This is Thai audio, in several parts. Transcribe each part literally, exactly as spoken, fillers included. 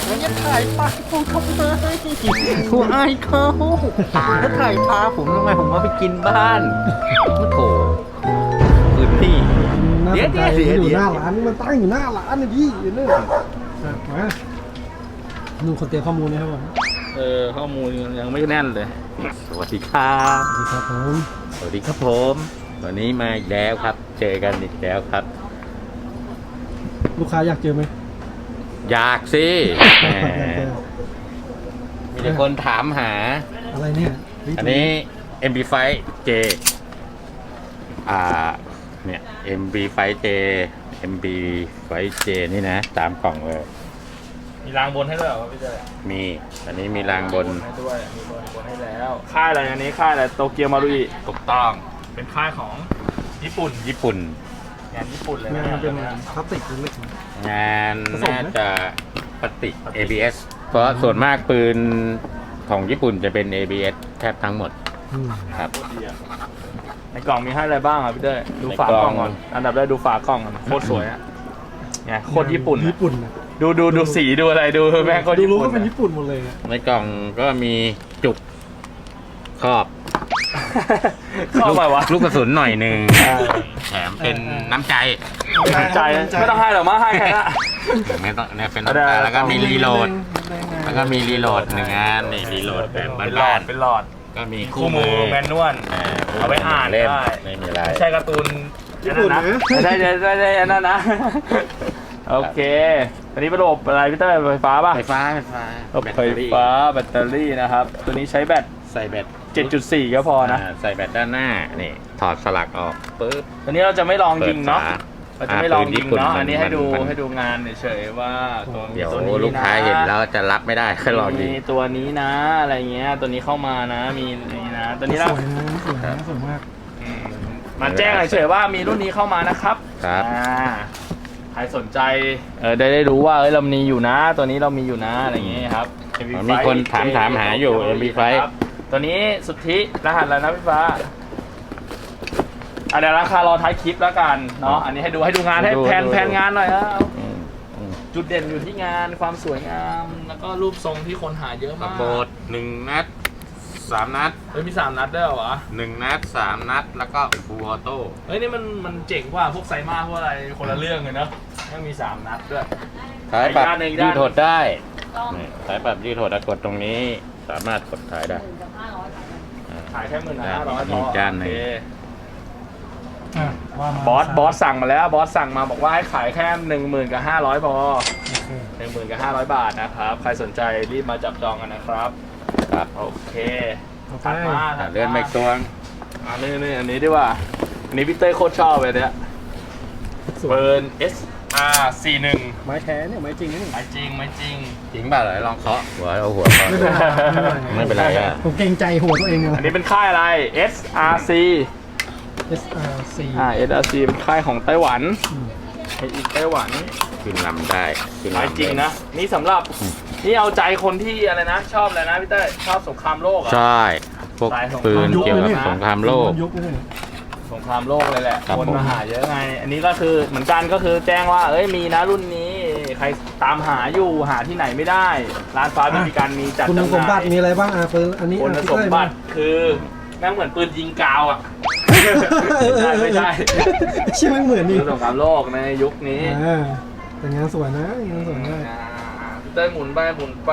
แล้วจะถ่ายปลาผมทำไมผมอายเขาถ้าถ่ายปลาผมทำไมผมเอาไปกินบ้านโอ้โหพื้นที่น่าเดี๋สยวนใจเดี๋ยวมันอยู่เดี๋ยวหน้าร้านมันตั้งอยู่หน้าร้านนะพี่เนี่ยมาดูคนเตรียมข้อมูลนะครับผมเออข้อมูลยังไม่แน่นเลยสวัสดีครับสวัสดีครับผมสวัสดีครับผมวันนี้มาอีกแล้วครับ เจอกันอีกแล้วครับลูกค้าอยากเจอไหมอยากสิแหมอยากเจอมีแต่คนถามหาอะไรเนี่ยอันนี้ เอ็ม บี ไฟว์ J อ่า เนี่ย เอ็ม บี ไฟว์ J เอ็ม บี ไฟว์ J นี่นะ ตามกล่องเลยมีรางบนให้ด้วยเหรอพี่เจ้มี อันนี้มีรางบนให้ด้วยมีรางบนให้แล้ว ค่ายอะไรอันนี้ค่ายอะไรโตเกียวมารุอิถูกต้องเป็นค่ายของญี่ปุ่นญี่ปุ่นงานญี่ปุ่นเลยงานะนเป็นพลาสติกเล็กงานผสมไหมน่าจะปฏิเอ บี เอส เพราะส่วนมากปืนของญี่ปุ่นจะเป็น เอ บี เอส แทบทั้งหมดๆอืมครับในกล่องมีให้อะไรบ้างอ่ะพี่เต้ยดูฝากล่องก่อนอันดับแรกดูฝากล่องก่อนโคตรสวยอ่ะเนี่ยโคตรญี่ปุ่นญี่ปุ่นนะดูดูดูสีดูอะไรดูแม่งโคตรดูญี่รู้ปุ่นก็เป็นญี่ปุ่นหมดเลยอะในกล่องก็มีจุกครอบเข้าไปวะลูกกระสุนหน่อยหนึ่งอ่าแถมเป็นน้ำใจใจไม่ต้องให้หรอกมาให้แค่นั้นไม่ต้องเนี่ยเป็นน้ำใจแล้วก็มีรีโหลด แล้วก็มีรีโหลดหนึ่งงานนี่รีโหลดแบบเป็นหลอบ้าดนเป็นหลอดๆก็มีคู่คู่มืมืออแมนนวลอ่าเอาไว้อ่านเล่มได้ไม่มีอะไรไม่ใช่การ์ตูนญี่ปุ่นนะไม่ใช่ไม่ใช่ไม่ใช่อันนั้นนะ โอเคอันนี้เป็นระบบอะไรพี่เต้ยไฟฟ้าป่ะไฟฟ้าไฟฟ้าระบบไฟฟ้าแบตเตอรี่นะครับ ตัวนี้ใช้แบตใส่แบตเจ็ดจุดสี่ ก็พอนะาใส่แบตด้านหน้านี่ถอดสลักออกปุ๊บตัวนี้เราจะไม่ลองยิงเนาะเปิดฝเราจะไม่ลองยิงเนาะอ่าปืนญี่ปุ่นอันนี้ให้ดูมันให้ดูงานเฉยๆว่าตัวเดี๋ยวตัวนี้นะลูกค้าเห็นแล้วจะรับไม่ได้ค่อยลองยิงมีตัวนี้นะอะไรเงี้ยตัวนี้เข้ามานะมีนี่นะตัวนี้สนะวยนะสวยนะสวยมากอืมมาแจ้งเฉยๆว่ามีรุ่นนี้เข้ามานะครับครับอ่าใครสนใจเออได้ได้รู้ว่าเอ้ยเรามีอยู่นะ ตัวนี้เรามีอยู่นะอะไรอย่างเงี้ยครับ เอ็ม บี ไฟว์มีคนถามถามหาอยู่ เอ็ม บี ไฟว์ครับตัวนี้สุทธิรหัสแล้วนะพี่ฟ้าอ่ะเดี๋ยวราคารอท้ายคลิปแล้วกันเนาะอันนี้ให้ดูให้ดูงานให้ดูแผนดูแผนงานหน่อยครับอืมอืมจุดเด่นอยู่ที่งานความสวยงาม แล้วก็รูปทรงที่คนหาเยอะกระมากโบดหนึ่งนัดสามนัดเฮ้ยมีสามนัดด้วยเหรอวะหนึ่งนัดสามนัดแล้วก็ฟูลออโต้เฮ้ยนี่มันมันเจ๋งกว่าพวกไซมาพวกอะไรคนละเรื่องเลยเนาะยังมีสามนัดด้วยสายปรับอีกด้านหนึ่งอีกด้านหนึ่งยืดหดได้นี่สายปรับยืดหดแล้วกดตรงนี้สามารถกดถ่ายได้อ่าขายแค่หมื่นห้าร้อยพมีอจานหนึ่งโอเคอ่ะว่ามาบอสบอสสั่งมาแล้วบอสสั่งมาบอกว่าให้ขายแค่หนึ่งหมื่นกับห้าร้อยพอโอเคหนึ่งหมื่นกับห้าร้อยบาทนะครับใครสนใจรีบมาจับจองกันนะครับครับโอเคต่อไปถัดมาอ่าเลื่อนไปอีกตัวอันนี้นี่อันนี้ดีกว่าอันนี้พี่เต้ยโคตรชอบเลยเนี่ยสวยเบิร์น เอส อาร์ สี่สิบเอ็ดไม้แท้เนี่ยไม้จริงนะนี่ไม่จริงไม่จริงจริงเปล่าเหรอลองเคาะหัวเอาหัวเคาะไม่เป็นไรไม่เป็นไรอะผมเกรงใจหัวตัวเองเลยอันนี้เป็นค่ายอะไร เอส อาร์ ซีเอส อาร์ ซีอ่า เอส อาร์ ซี เป็นค่ายของไต้หวันอืมไออีกไต้หวันขึ้นลำได้ขึ้นไม่ลำจริงนะ นี่สำหรับ นี่เอาใจคนที่อะไรนะ ชอบอะไรนะพี่เต้ยชอบสงครามโลกเหรอ่ะใช่พวกสายของปืนยุคเกี่ยวกับเลยเนี่ยสงครามโลกยุคเลยสงครามโลกเลยแหละครับคนผมมาหาเยอะไง อันนี้ก็คือเหมือนกันก็คือแจ้งว่า เอ้ยมีนะรุ่นนี้ ใครตามหาอยู่หาที่ไหนไม่ได้ ร้านฟ้าไม่มีการมีจัดคุณจำหสมบัน่าติยมีอะไรบ้างอ่ะปืนอันนี้คุณอ่ะสมบัติคือแม่งเหมือนปืนยิงกาวอ่ะพี่เต้ยไม่ใช่ใช่ไหมเหมือนนี่คือสงครามโลกในยุคนี้อ่าแต่งานสวยนะงานสวยมากอ่าพี่เต้ยหมุนไปหมุนไป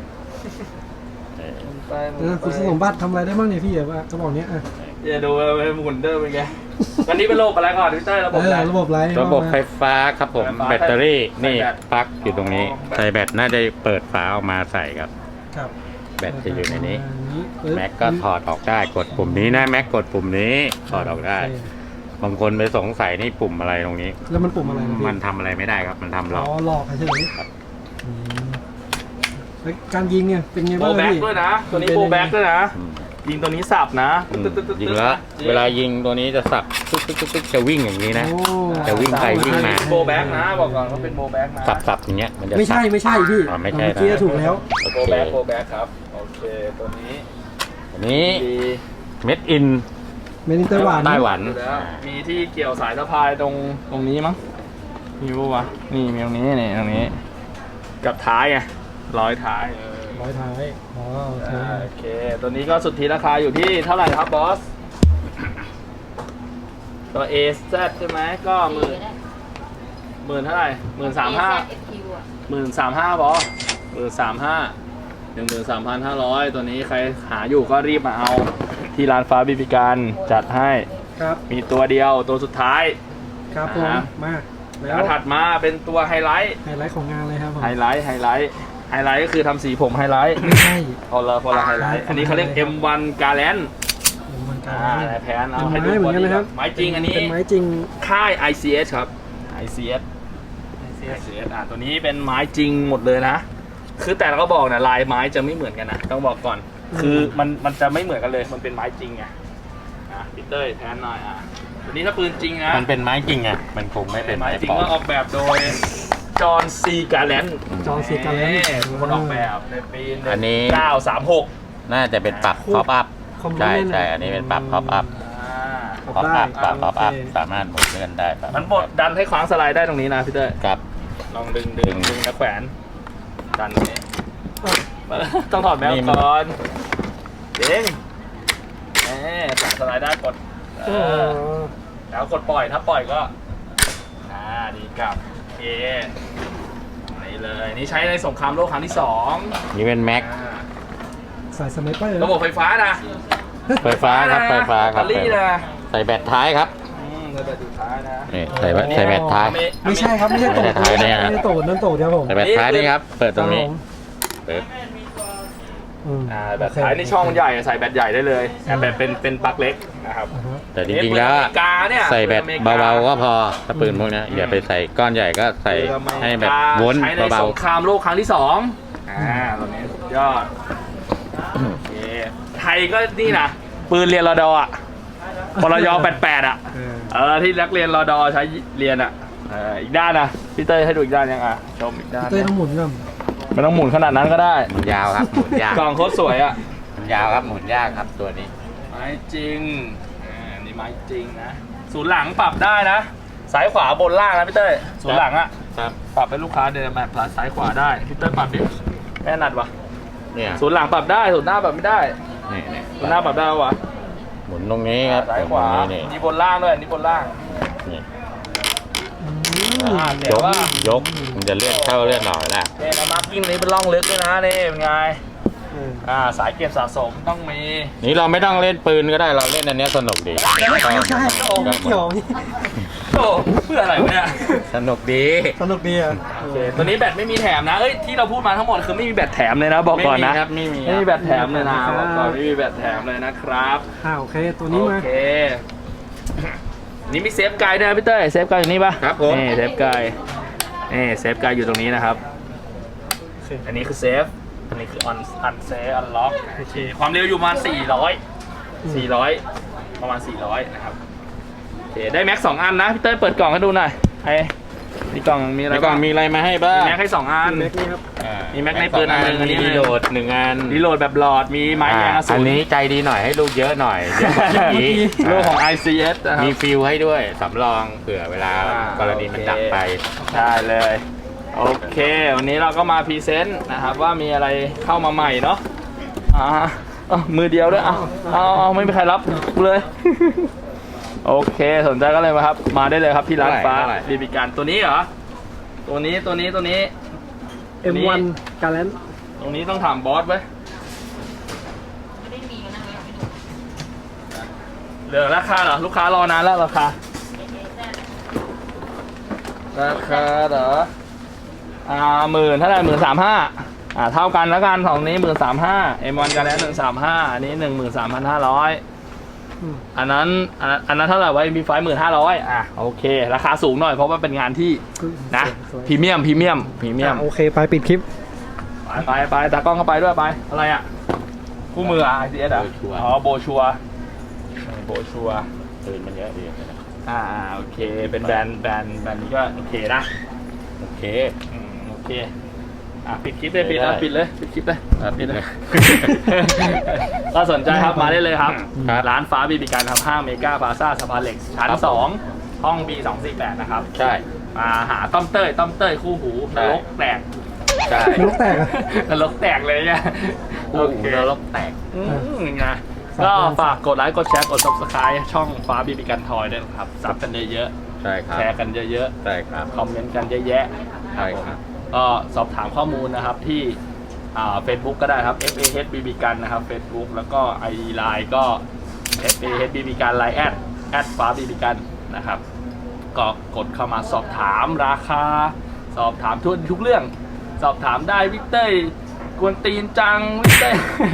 หมุนไปหมุนเออไปคุณสมบัติทำอะไรได้บ้างเนี่ยพี่อ่ะว่ากระบอกเนี้ยอ่ะอย่าดูไปหมุนเดิมเป็นไงวันนี้เป็นระบบอะไรก่อนพี่เต้ยระบบเออะไรอระบบไรระบบไฟฟ้าครับผมไฟฟ้าแบตเตอรี่ใส่นี่แบตปลั๊กอยู่ตรงนี้อ๋อใส่แบตน่าจะเปิดฝาออกมาใส่ครับครับแบตจะอยู่ในนี้ปึ๊บแม็กก็ถอดออกได้กดปุ่มนี้นะแม็กกดปุ่มนี้ถอดออกได้โเคบางคนไปสงสัยนี่ปุ่มอะไรตรงนี้แล้วมันปุ่มอะไรนะพี่มันทำอะไรไม่ได้ครับ มันทำหลอ๋อกอหลอกเฉยครับๆอืมแล้วการยิงเนี่ยเป็นไงโบบ้างแบ็กพี่ด้วยนะ ตัวนี้โบแบ็กด้วยนะอืมยิงตัวนี้สับนะอืมยิงแล้วเวลายิงตัวนี้จะสับตุ๊กตุ๊กตุ๊กตุ๊กจะวิ่งอย่างนี้นะโอ้จะวิ่งไปวิ่งมาโบแบ็กนะบอกก่อนว่าเป็นโบแบ็กนะสับสับอย่างเงี้ยมันจะไม่ใช่สับไม่ใช่พี่อ๋อไม่ใช่เมื่อกี้นะถูกแล้วโอโบเคแบ็กโบแบ็กครับโอเคตัวนี้อันนี้ดีเม็ดอินเมนิไต้หวันไต้หวันอยู่แล้วมีที่เกี่ยวสายสะพายตรงตรงนี้มั้งมีปะวะนี่มีตรงนี้นี่ตรงนี้กับท้ายไงร้อยท้ายเออร้อยท้ายอ๋อโอเคอ่าโอเค ตัวนี้ก็สุทธิราคาอยู่ที่เท่าไหร่ครับบอส ตัว เอ แซด ใช่ไหมก็หมื่นหมื่นเท่าไหร่หมื่นสามห้าหมื่นสามห้าบอสหมื่นสามห้าหนึ่งหมื่นสามพันห้าร้อยตัวนี้ใครหาอยู่ก็รีบมาเอาที่ร้านฟ้าบีบีการจัดให้ครับมีตัวเดียวตัวสุดท้ายครับผมอ่ามาแล้แล้ว วถัดมาเป็นตัวไฮไลท์ไฮไลท์ของงานเลยครับผมไฮไลท์ไฮไลท์ไฮไลท์ก็คือทำสีผมไฮไลท์ไม่ใช่พอละพอละไฮไลท์อ่าอันนี้เขาเรียก เอ็ม วัน Garland มันกาอ่าร แพนเอาเป็นให้ดูไม้เหมือนกันนะครับไม้จริงอันนี้เป็นไม้จริงค่าย ไอ ซี เอส ครับ ไอ ซี เอส ไอ ซี เอส อ่าตัวนี้เป็นไม้จริงหมดเลยนะ คือแต่เราก็บอกนะลายไม้จะไม่เหมือนกันนะต้องบอกก่อน คือมันมันจะไม่เหมือนกันเลย มันเป็นไม้จริงไงอ่ะพีเตอร์แทนหน่อยอ่ะตัวนี้ถ้าปืนจริงนะมันเป็นไม้จริงไงมันคงไม่เป็นไม้ไม้จริงปลอก็มออกแบบโดยจอห์นซีการ์แลนด์จอห์น C. Garland คนออกแบบในปีอันนี้เก้าสามหกน่าจะเป็นปรับพ็อปอัพคอมโพใช่เนนต์ใช่อันนี้เป็นปรับพ็อปอัพอ่าพ็อปอัพปรับพ็อปอัพโอเคสามารถหมุนเลื่อนได้ปรับมันบดดันให้คว้างสไลด์ได้ตรงนี้นะพี่เต้ยครับลองดึงดึงดึงนะแขวนดันตรงนี้ต้องถอดแมวนี่มันก่อนเด้งเอ๊ะแขวนสไลด์ได้กดเอโอ้อแล้วกดปล่อยถ้าปล่อยก็อ่าดีกลับโอเคนี่เลยนี่ใช้ในสงครามโลกครั้งที่สองนี่เป็นแม็กอ่าสายสไนเปอร์ระบบไฟฟ้านะไฟฟ้าครับไฟฟ้าครับแบตเตอรี่นะใส่แบตท้ายครับอืมใส่แบตสุดท้ายนะนี่ใส่แบตใส่แบตท้ายไม่ใช่ครับ ไม่ใช่โตดไม่ใช่ท้ายเนี่ยไม่ใช่โตดนั่นโตดครับผมใส่แบตท้ายนี่ครับ เปิดตรงนี้คบผมเปิดอืมอ่าแบตท้ายนี่ช่องมันใหญ่ใส่แบตใหญ่ได้เลยแต่แบตเป็นเป็นปลั๊กเล็กนะครับอ่าฮะแต่จริงๆแล้วอเมริกาเนี่ยใส่แบตเบาๆก็พอถ้าปืนพวกนี้อย่าไปใส่ก้อนใหญ่ก็ใส่ให้แบบวนใช้ในเบาสงครามโลกครั้งที่สองอ่าตัวนี้สุดยอดโอเคไทยก็นี่นะปืนเรียนรอดออ่ะปรยแปดแปดอ่ะเออเออที่นักเรียนรอดอใช้เรียนอ่ะเอออีกด้านนะพี่เต้ยให้ดูอีกด้านยังอ่ะชมอีกด้านเต้ยต้องหมุนก่อนไม่ต้องหมุนขนาดนั้นก็ได้ๆมันยาวครับหมุนยากกล่องโคตรสวยอ่ะมันยาวครับหมุนยากครับตัวนี้ไม้จริงอ่านี่ไม้จริงนะศูนย์หลังปรับได้นะซ้ายขวาบนล่างนะพี่เต้ยศูนย์หลังอ่ะครับปรับให้ลูกค้าเดินแบบซ้ายขวาได้พี่เต้ยปรับดิแม่นัดวะเนี่ยศูนย์หลังปรับได้ศูนย์หน้าปรับไม่ได้นี่นี่ศูนย์หน้าปรับได้ปะวะหมุนตรงนี้ครับซ้ายขวาหมุนตรงนี้นี่บนล่างด้วยนี่บนล่างนี่อืมอ่าเดี๋ยยวกว่ายกมันจะเลื่อนเข้าเลื่อนหน่อยละเนี่ยนะมาร์กิ้งนี้เป็นร่องลึกด้วยนะนี่เป็นไงเอออ่าสายเก็บสะสมต้องมีนี่เราไม่ต้องเล่นปืนก็ได้เราเล่นอันเนี้ยสนุกดีไม่ใช่โอ้ไม่เกี่ยวนี่โอ้เพื่ออะไรวะเนี่ยสนุกดีสนุกดีอ่ะโอเคตัวนี้แบตไม่มีแถมนะเอ้ยที่เราพูดมาทั้งหมดคือไม่มีแบตแถมเลยนะบอกก่อนนะไม่มีครับไม่มีไม่มีแบตแถมเลยนะบอกก่อนไม่มีแบตแถมเลยนะครับอ่าโอเคตัวนี้มาโอเคนี่มีเซฟไกด์ด้วยนะพี่เต้ยเซฟไกด์อยู่นี่ปะครับผมนี่เซฟไกด์นี่เซฟไกด์อยู่ตรงนี้นะครับโอเคอันนี้คือเซฟอันนี้คือออนอันเซฟอันล็อกโอเคความเร็วอยู่ประมาณสี่ร้อยสี่ร้อยประมาณสี่ร้อยนะครับโอเคได้แม็กสองอันนะพี่เต้ยเปิดกล่องให้ดูหน่อยไอ้ในกล่องมีอะไรในกล่องบ้างมีอะไรมาให้บ้างมีแม็กให้สองอันแม็กนี่ครับอ่ามีแม็กในปืนอันหนึ่งอันนี้มีรีโหลดหนึ่งอันรีโหลดแบบหลอดมีไม้แมงกระสุอันนนี้ใจดีหน่อยให้ลูกเยอะหน่อยเดี๋ยวอย่างนี้โลกของ ไอ ซี เอส นะครับมีฟิลให้ด้วยสำรองเผื่อเวลาอ่ากรณีมันโอเคดับไปได้เลย โอเค วันนี้เราก็มาพรีเซนต์นะครับว่ามีอะไรเข้ามาใหม่เนาะอ่าอ่ะมือเดียวด้วยอ่ะเอาเอาไม่มีใครรับเลย โอเคสนใจก็เลยมาครับ มาได้เลยครับที่ร้านฟ้าเท่าไหร่บีบีการตัวนี้เหรอ ตัวนี้ตัวนี้ตัวนี้เอ็มวันการแลนตรงนี้ต้องถามบอสไว้ไม่ได้มีกันนะไม่ดูเหลือราคาเหรอลูกค้ารอนานแล้วราคา ราคาเหรอ อ่าหมื่นเท่าไหร่หมื่นสามห้าอ่าเท่ากันแล้วกันสองนี้หมื่นสามห้าเอ็มวันกันแล้วหนึ่งสามห้าอันนี้หนึ่งหมื่นสามพันห้าร้อยอันนั้นอันนั้นอันนั้นเท่าไหร่ไว้มีไฟหมื่นห้าร้อยอ่ะโอเค ราคาสูงหน่อยเพราะว่าเป็นงานที่นะพรีเมียมพรีเมียมพรีเมียมโอเคไปปิดคลิปไปไปไปตากล้องเข้าไปด้วยไปอะไรอ่ะคู่มือไอซีเอสอ่ะโบชัวร์อ๋อโบชัวร์โบชัวร์ปืนมันเยอะดีนะอ่าโอเคเป็นแบรนด์แบรนด์แบรนด์นี้ก็โอเคนะโอเคอืมโอเค อ่ะปิดคลิปเลยปิดเลยปิดเลยปิดคลิปเลยอ่ะปิดเลยก็สนใจครับมาได้เลยครับครับร้านฟ้าบีบีการทำห้างเมกาพลาซ่าสะพานเหล็กชั้นครับสองห้อง บี สองสี่แปดนะครับใช่มาหาต้อมเต้ยต้อมเต้ยคู่หูนใช่รกแตกใช่นรกแตกอะนรกแตกเลยเนี่ยโอเคแล้วแตกอืมนะก็ฝากกดไลค์กดแชร์กด ซับสไครบ์ ช่องฟ้าบีบีกันทอยด้วยนะครับซับกันเยอะใช่คๆรับแชร์กันเยอะใช่ครับๆคอมเมนต์กันเยอะแยะใช่ครับก็สอบถามข้อมูลนะครับที่อ่า Facebook ก็ได้ครับ เอฟ เอ เอช บี บี กันนะครับ Facebook แล้วก็ ไอ ดี Line ก็ เอฟ เอ เอช บี บี กัน Line แอดแอดฟ้าบีบีกันนะครับก็กดเข้ามาสอบถามราคา สอบถามทุกทุกเรื่อง สอบถามได้วิกเตอร์กวนตีนจังวิกเตอร์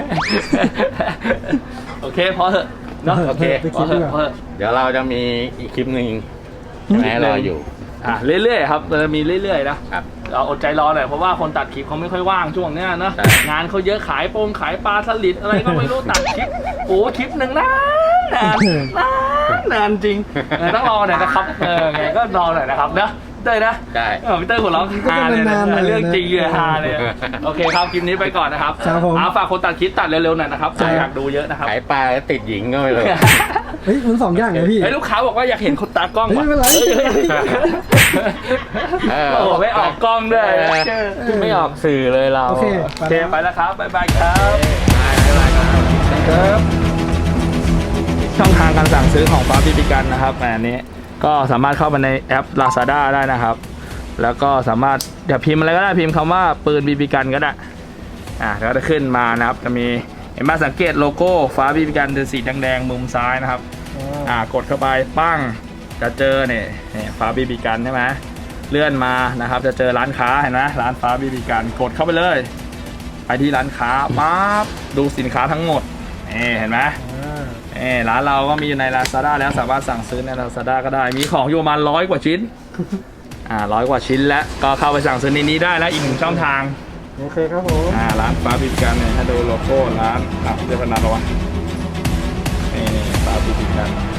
โอเคพอเถอะเนาะโอเคไปพคิอดเถดีกอะว่าพอเถอะเดี๋ยวเราจะมีอีกคลิปหนึ่งใช่ไหมรออยู่อ่ะเรื่อยๆครับเราจะมีเรื่อยๆนะครับ เราอดใจรอหน่อยเพราะว่าคนตัดคลิปเขาไม่ค่อยว่างช่วงเนี้ยนะใช่งานเขาเยอะขายโปงขายปลาสลิดอะไรก็ไม่รู้ตัดคลิปโอ้คลิปหนึ่งนานนานนานนานจริงเออต้องรอหน่อยนะครับเออไงก็รอหน่อยนะครับเนอะเต้ยนะใช่เออพี่เต้ยหัวเราะฮาเลยนะนานๆหน่อยนะเรื่องจริงเลยฮาเลยโอเคครับคลิปนี้ไปก่อนนะครับครับผมอ่าฝากคนตัดคลิปตัดเร็วๆหน่อยนะครับครับอยากดูเยอะนะครับขายปลาแล้วติดหญิงก็ไม่เลยเฮ้ยมันสองอย่างไงพี่ไอ้ยลูกค้าบอกว่าอยากเห็นคนตากล้องว่ะไม่เป็นไรเออโอ้โหไม่ออกกล้องด้วยเออ ไม่ออกสื่อเลยเราโอเคโอเคไปแล้วครับ บ๊ายบายครับบ๊ายบายครับครับช่องทางการสั่งซื้อของฟ้าบีบีกันนะครับอันนี้ก็สามารถเข้าไปในแอป Lazada ได้นะครับ แล้วก็สามารถเดี๋ยวพิมพ์อะไรก็ได้พิมพ์คำว่าปืนบีบีกันก็ได้อ่าแล้วก็จะขึ้นมานะครับจะมีเห็นไหมสังเกตโลโก้ฟ้าบีบีกันเป็นสีแดงๆมุมซ้ายนะครับอ่ากดเข้าไปปั้งจะเจอเนี่ยเนี่ยฟ้าบีบีกันใช่ไหมเลื่อนมานะครับจะเจอร้านค้าเห็นไหมร้านฟ้าบีบีกันกดเข้าไปเลยไปที่ร้านค้าปั๊บดูสินค้าทั้งหมดนี่เห็นไหม เออร้านเราก็มีอยู่ใน Lazada แล้วสามารถสั่งซื้อใน Lazada ก็ได้ มีของอยู่ประมาณร้อยกว่าชิ้น อ่าร้อยกว่าชิ้นแล้ว ก็เข้าไปสั่งซื้อในนี้ได้แล้วอีกหนึ่งช่องทางโอเคครับผมอ่าร้านฟ้าบิบิกันเนี่ยให้ดูโลโก้ร้านอ่ะเรียกว่าร้านอะไรวะนี่ฟ้าบิบิกัน